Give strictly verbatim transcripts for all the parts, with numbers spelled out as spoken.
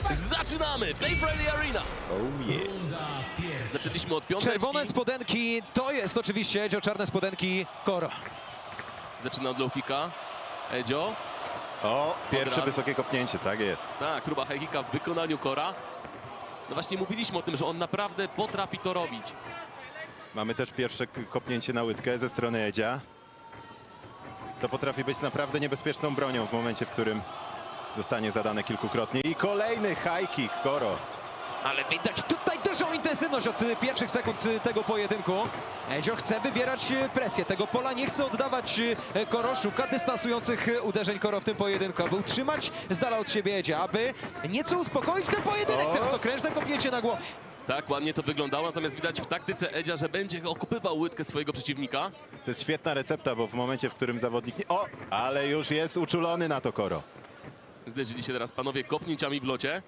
Zaczynamy! Play Friendly Arena! Oh yeah. Zaczęliśmy od piąteczki. Czerwone spodenki to jest oczywiście Edzio, czarne spodenki Koro. Zaczyna od low kicka. Edzio. O, pierwsze razu. wysokie kopnięcie, tak jest. Tak, próba high kicka w wykonaniu Kora. No właśnie mówiliśmy o tym, że on naprawdę potrafi to robić. Mamy też pierwsze k- kopnięcie na łydkę ze strony Edzia. To potrafi być naprawdę niebezpieczną bronią w momencie, w którym zostanie zadane kilkukrotnie. I kolejny high kick, Koro. Ale widać tutaj dużą intensywność od y, pierwszych sekund y, tego pojedynku. Edzio chce wywierać y, presję. Tego pola nie chce oddawać y, Koro. Szuka dystansujących y, uderzeń Koro w tym pojedynku. Aby utrzymać z dala od siebie Edzia, aby nieco uspokoić ten pojedynek. O! Teraz okrężne kopnięcie na głowę. Tak, ładnie to wyglądało, natomiast widać w taktyce Edzia, że będzie okupywał łydkę swojego przeciwnika. To jest świetna recepta, bo w momencie, w którym zawodnik... Nie... O, ale już jest uczulony na to Koro. Zderzyli się teraz panowie kopnięciami w locie.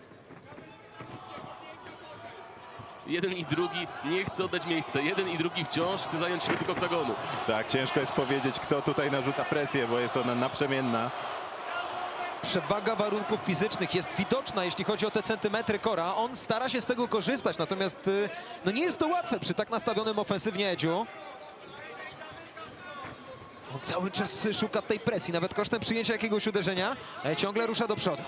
Jeden i drugi nie chce oddać miejsca. Jeden i drugi wciąż chce zająć środek oktagonu. Tak, ciężko jest powiedzieć, kto tutaj narzuca presję, bo jest ona naprzemienna. Przewaga warunków fizycznych jest widoczna, jeśli chodzi o te centymetry Kora. On stara się z tego korzystać, natomiast y, no nie jest to łatwe przy tak nastawionym ofensywnie Edziu. On cały czas y, szuka tej presji, nawet kosztem przyjęcia jakiegoś uderzenia. E, ciągle rusza do przodu.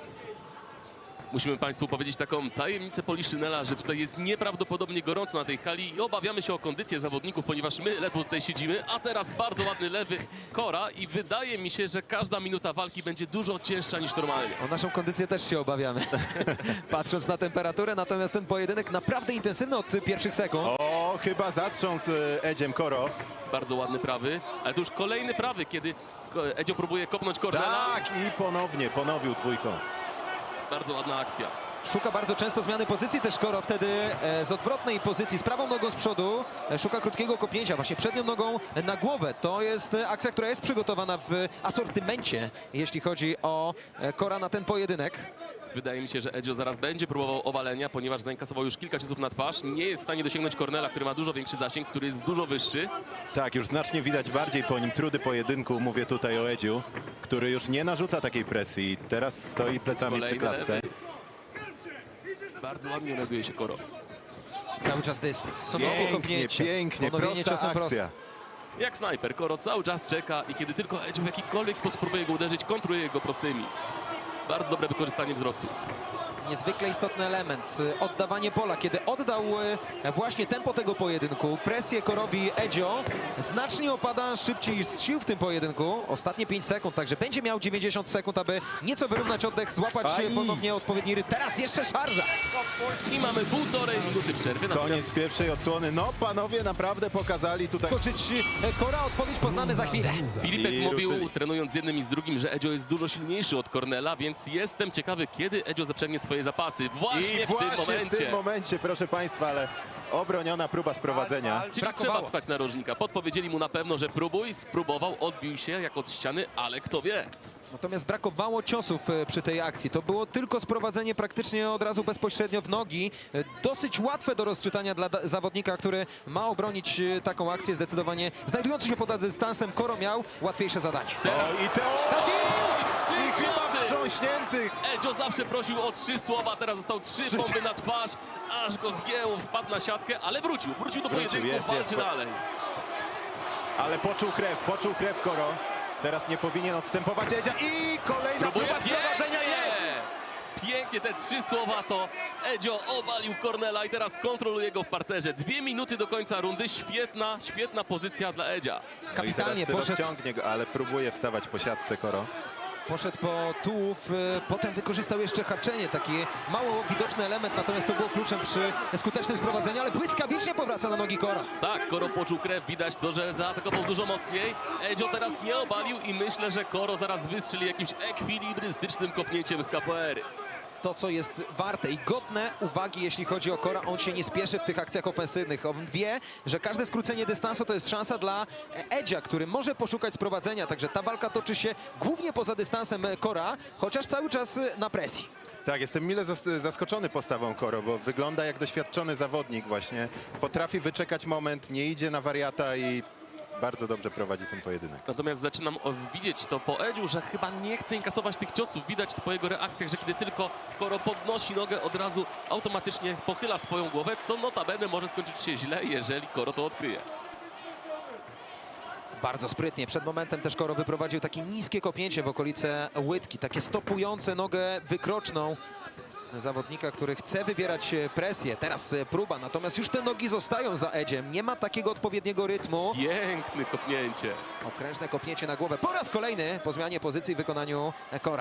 Musimy Państwu powiedzieć taką tajemnicę Poliszynela, że tutaj jest nieprawdopodobnie gorąco na tej hali i obawiamy się o kondycję zawodników, ponieważ my ledwo tutaj siedzimy, a teraz bardzo ładny lewy Kora i wydaje mi się, że każda minuta walki będzie dużo cięższa niż normalnie. O naszą kondycję też się obawiamy, patrząc na temperaturę, natomiast ten pojedynek naprawdę intensywny od y, pierwszych sekund. O, chyba zatrząsł e, Edziem Koro. Bardzo ładny prawy, ale to już kolejny prawy, kiedy Ko- Edzio próbuje kopnąć Cornela. Tak, i ponownie, ponowił dwójką. Bardzo ładna akcja. Szuka bardzo często zmiany pozycji też Koro, wtedy e, z odwrotnej pozycji, z prawą nogą z przodu, e, szuka krótkiego kopnięcia, właśnie przednią nogą na głowę. To jest e, akcja, która jest przygotowana w asortymencie, jeśli chodzi o e, Kora na ten pojedynek. Wydaje mi się, że Edzio zaraz będzie próbował obalenia, ponieważ zainkasował już kilka ciosów na twarz. Nie jest w stanie dosięgnąć Cornela, który ma dużo większy zasięg, który jest dużo wyższy. Tak, już znacznie widać bardziej po nim trudy pojedynku. Mówię tutaj o Edziu, który już nie narzuca takiej presji. Teraz stoi plecami przy Kolejny klatce. lewy. Bardzo ładnie reaguje się Koro. Cały czas dystans, są nisko Pięknie, kopnięcie, pięknie, ponowienie prosta ciosem akcja. prostym. Jak snajper, Koro cały czas czeka i kiedy tylko Edzio w jakikolwiek sposób próbuje go uderzyć, kontruje go prostymi. Bardzo dobre wykorzystanie wzrostu. Niezwykle istotny element, y, oddawanie pola. Kiedy oddał y, właśnie tempo tego pojedynku, presję Korowi Edzio, znacznie opada szybciej z sił w tym pojedynku. Ostatnie pięć sekund, także będzie miał dziewięćdziesiąt sekund, aby nieco wyrównać oddech, złapać Aj. y, ponownie odpowiedni rytm. Teraz jeszcze szarża. I mamy półtorej minuty przerwy. Koniec pierwszej odsłony. No, panowie naprawdę pokazali tutaj... Koczyć y, Kora, odpowiedź poznamy za chwilę. Filipek I mówił, ruszyli. trenując z jednym i z drugim, że Edzio jest dużo silniejszy od Cornela, więc jestem ciekawy, kiedy Edzio zaprzęgnie swoje zapasy. Właśnie, I w właśnie tym momencie. w tym momencie, proszę państwa, ale obroniona próba sprowadzenia. Czyli brakowało. trzeba słuchać narożnika. Podpowiedzieli mu na pewno, że próbuj, spróbował, odbił się jak od ściany, ale kto wie. Natomiast brakowało ciosów y, przy tej akcji. To było tylko sprowadzenie praktycznie od razu bezpośrednio w nogi. Y, Dosyć łatwe do rozczytania dla da- zawodnika, który ma obronić y, taką akcję. Zdecydowanie znajdujący się pod dystansem, Koro miał łatwiejsze zadanie. Teraz O, i te... i trzy I chyba ciosy! wstrząśniętych! Edzio zawsze prosił o trzy słowa, teraz został trzy Trzy- bomby na twarz, aż go wgięło, wpadł na siatkę, ale wrócił, wrócił do Wrócił, pojedynku, jest, walczy jest. dalej. Ale poczuł krew, poczuł krew Koro. Teraz nie powinien odstępować Edzia i kolejna Próbuje próba sprowadzenia jest! pięknie! Pięknie te trzy słowa to Edzio obalił Cornela i teraz kontroluje go w parterze. Dwie minuty do końca rundy, świetna, świetna pozycja dla Edzia. Kapitalnie no i teraz poszedł. rozciągnie go, ale próbuje wstawać po siatce Koro. Poszedł po tułów, y, potem wykorzystał jeszcze haczenie, taki mało widoczny element, natomiast to było kluczem przy skutecznym sprowadzeniu, ale błyskawicznie powraca na nogi Kora. Tak, Koro poczuł krew, widać to, że zaatakował dużo mocniej. Edzio teraz nie obalił i myślę, że Koro zaraz wystrzeli jakimś ekwilibrystycznym kopnięciem z kapoery. To, co jest warte i godne uwagi, jeśli chodzi o Kora, on się nie spieszy w tych akcjach ofensywnych. On wie, że każde skrócenie dystansu to jest szansa dla Edzia, który może poszukać sprowadzenia, także ta walka toczy się głównie poza dystansem Kora, chociaż cały czas na presji. Tak, jestem mile zas- zaskoczony postawą Koro, bo wygląda jak doświadczony zawodnik właśnie. Potrafi wyczekać moment, nie idzie na wariata i bardzo dobrze prowadzi ten pojedynek. Natomiast zaczynam o- widzieć to po Edziu, że chyba nie chce inkasować tych ciosów. Widać to po jego reakcjach, że kiedy tylko Koro podnosi nogę, od razu automatycznie pochyla swoją głowę, co notabene może skończyć się źle, jeżeli Koro to odkryje. Bardzo sprytnie. Przed momentem też Koro wyprowadził takie niskie kopnięcie w okolice łydki, takie stopujące nogę wykroczną zawodnika, który chce wywierać presję. Teraz e, próba, natomiast już te nogi zostają za Edziem. Nie ma takiego odpowiedniego rytmu. Piękne kopnięcie. Okrężne kopnięcie na głowę. Po raz kolejny po zmianie pozycji w wykonaniu Kora.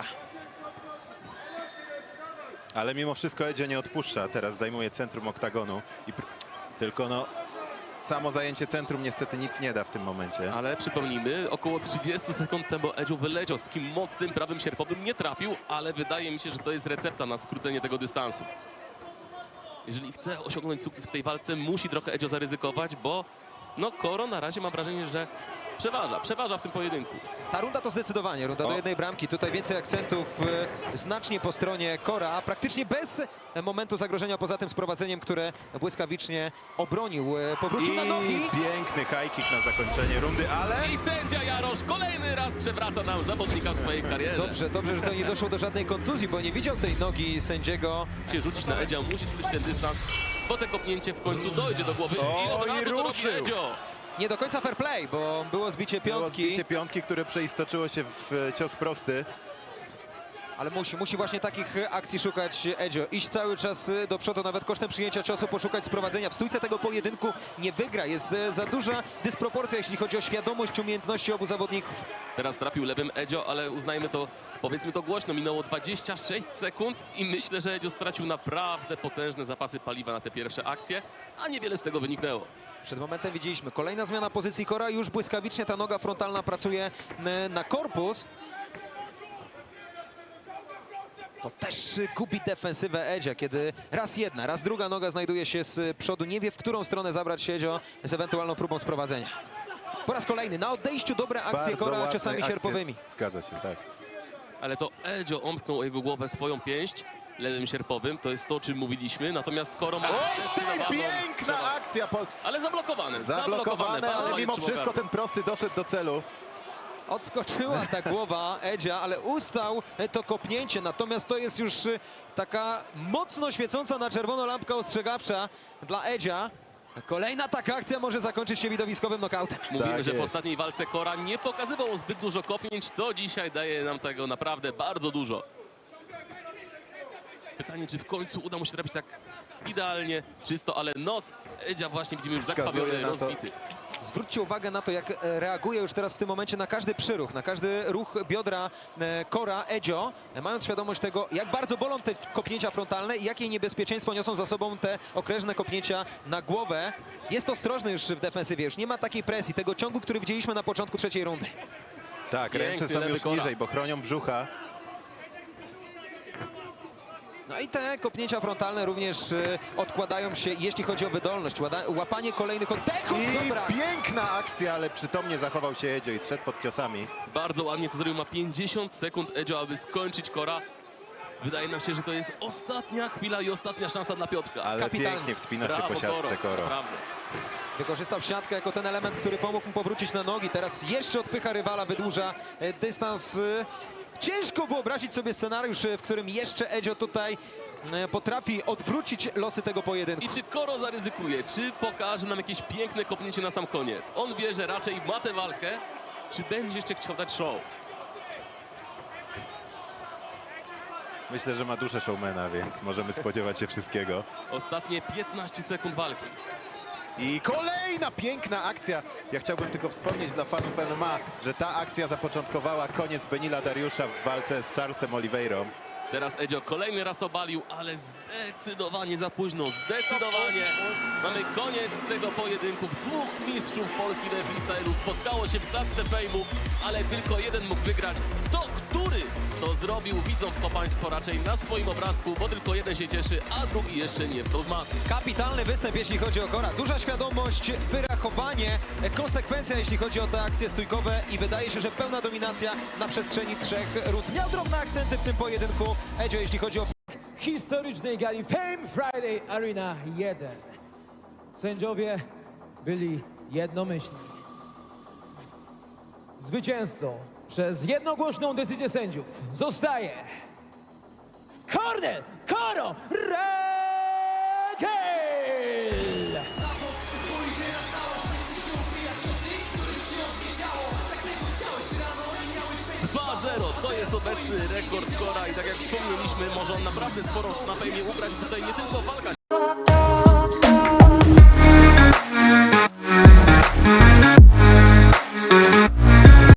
Ale mimo wszystko Edzio nie odpuszcza. Teraz zajmuje centrum oktagonu. I pr- tylko no, samo zajęcie centrum niestety nic nie da w tym momencie. Ale przypomnijmy, około trzydzieści sekund temu Edziu wyleciał z takim mocnym prawym sierpowym. Nie trafił, ale wydaje mi się, że to jest recepta na skrócenie tego dystansu. Jeżeli chce osiągnąć sukces w tej walce, musi trochę Edzio zaryzykować, bo no Koro na razie mam wrażenie, że przeważa, przeważa w tym pojedynku. Ta runda to zdecydowanie runda O. do jednej bramki. Tutaj więcej akcentów e, znacznie po stronie Kora. Praktycznie bez e, momentu zagrożenia, poza tym sprowadzeniem, które błyskawicznie obronił. E, Powrócił na nogi. I piękny high kick na zakończenie rundy, ale... I sędzia Jarosz kolejny raz przewraca nam zawodnika w swojej karierze. Dobrze, dobrze, że to nie doszło do żadnej kontuzji, bo nie widział tej nogi sędziego. Się rzucić na Edzia, musi skrócić ten dystans, bo te kopnięcie w końcu dojdzie do głowy i od O, i razu to robi ruszył. Edzio. Nie do końca fair play, bo było zbicie Było piątki, zbicie piątki, które przeistoczyło się w e, cios prosty. ale musi, musi właśnie takich e, akcji szukać Edzio. Iść cały czas e, do przodu, nawet kosztem przyjęcia ciosu, poszukać sprowadzenia. W stójce tego pojedynku nie wygra. Jest e, za duża dysproporcja, jeśli chodzi o świadomość, umiejętności obu zawodników. Teraz trafił lewym Edzio, ale uznajmy to, powiedzmy to głośno, minęło dwadzieścia sześć sekund i myślę, że Edzio stracił naprawdę potężne zapasy paliwa na te pierwsze akcje, a niewiele z tego wyniknęło. Przed momentem widzieliśmy kolejna zmiana pozycji Kora. Już błyskawicznie ta noga frontalna pracuje e, na korpus. To też e, gubi defensywę Edzia, kiedy raz jedna, raz druga noga znajduje się z przodu. Nie wie, w którą stronę zabrać się Edzio z ewentualną próbą sprowadzenia. Po raz kolejny na odejściu dobre akcje Bardzo Kora ładne ciosami akcje. sierpowymi. Zgadza się, tak. Ale to Edzio omsknął o jego głowę swoją pięść lewym sierpowym, to jest to, o czym mówiliśmy, natomiast Koro ma Oj, zdecydowaną piękna przewagę. akcja! Po... Ale zablokowane, zablokowane, Zablokowane, bardzo ale ładnie mimo trzymał wszystko gardło. ten prosty doszedł do celu. Odskoczyła ta głowa Edzia, ale ustał e, to kopnięcie. Natomiast to jest już e, taka mocno świecąca na czerwono lampka ostrzegawcza dla Edzia. Kolejna taka akcja może zakończyć się widowiskowym nokautem. Mówimy, Tak że w jest. ostatniej walce Kora nie pokazywał zbyt dużo kopnięć, to dzisiaj daje nam tego naprawdę bardzo dużo. Pytanie, czy w końcu uda mu się trafić tak idealnie, czysto, ale nos Edzia właśnie widzimy już Wskazuje zakrwawiony, na to. rozbity. Zwróćcie uwagę na to, jak e, reaguje już teraz w tym momencie na każdy przyruch, na każdy ruch biodra e, Kora, Edzio, e, mając świadomość tego, jak bardzo bolą te kopnięcia frontalne i jakie niebezpieczeństwo niosą za sobą te okrężne kopnięcia na głowę. Jest ostrożny już w defensywie, już nie ma takiej presji, tego ciągu, który widzieliśmy na początku trzeciej rundy. Tak, Piękny ręce są lewy już Kora. niżej, bo chronią brzucha. No i te kopnięcia frontalne również e, odkładają się, jeśli chodzi o wydolność, łada, łapanie kolejnych oddechów. I Dobra. piękna akcja, ale przytomnie zachował się Edzio i zszedł pod ciosami. Bardzo ładnie to zrobił, ma pięćdziesiąt sekund Edzio, aby skończyć Kora. Wydaje nam się, że to jest ostatnia chwila i ostatnia szansa dla Piotrka. Ale Kapitalnie. pięknie wspina się Brawo, po siatce Koro. Naprawdę. Wykorzystał siatkę jako ten element, który pomógł mu powrócić na nogi. Teraz jeszcze odpycha rywala, wydłuża e, dystans. E, Ciężko wyobrazić sobie scenariusz, e, w którym jeszcze Edzio tutaj e, potrafi odwrócić losy tego pojedynku. I czy Koro zaryzykuje, czy pokaże nam jakieś piękne kopnięcie na sam koniec? On wie, że raczej ma tę walkę, czy będzie jeszcze chciał dać show? Myślę, że ma duszę showmana, więc możemy spodziewać się wszystkiego. Ostatnie piętnaście sekund walki. I kolejna piękna akcja. Ja chciałbym tylko wspomnieć dla fanów M M A, że ta akcja zapoczątkowała koniec Benila Dariusza w walce z Charlesem Oliveirą. Teraz Edzio kolejny raz obalił, ale zdecydowanie za późno, zdecydowanie. Mamy koniec tego pojedynku. Dwóch mistrzów Polski do freestylu spotkało się w klatce fejmu, ale tylko jeden mógł wygrać. To który to zrobił, widzą to Państwo raczej na swoim obrazku, bo tylko jeden się cieszy, a drugi jeszcze nie wstał z maty. Kapitalny występ, jeśli chodzi o Kora. Duża świadomość, wyrachowanie, e, konsekwencja, jeśli chodzi o te akcje stójkowe i wydaje się, że pełna dominacja na przestrzeni trzech rund. Miał drobne akcenty w tym pojedynku Edzio, jeśli chodzi o historycznej gali Fame Friday Arena jeden. Sędziowie byli jednomyślni. Zwycięzcą przez jednogłośną decyzję sędziów zostaje Cornel Coro Rangel! dwa zero to jest obecny rekord Cora i tak jak wspomnieliśmy, może on naprawdę sporo na fejmie ugrać. Tutaj nie tylko walka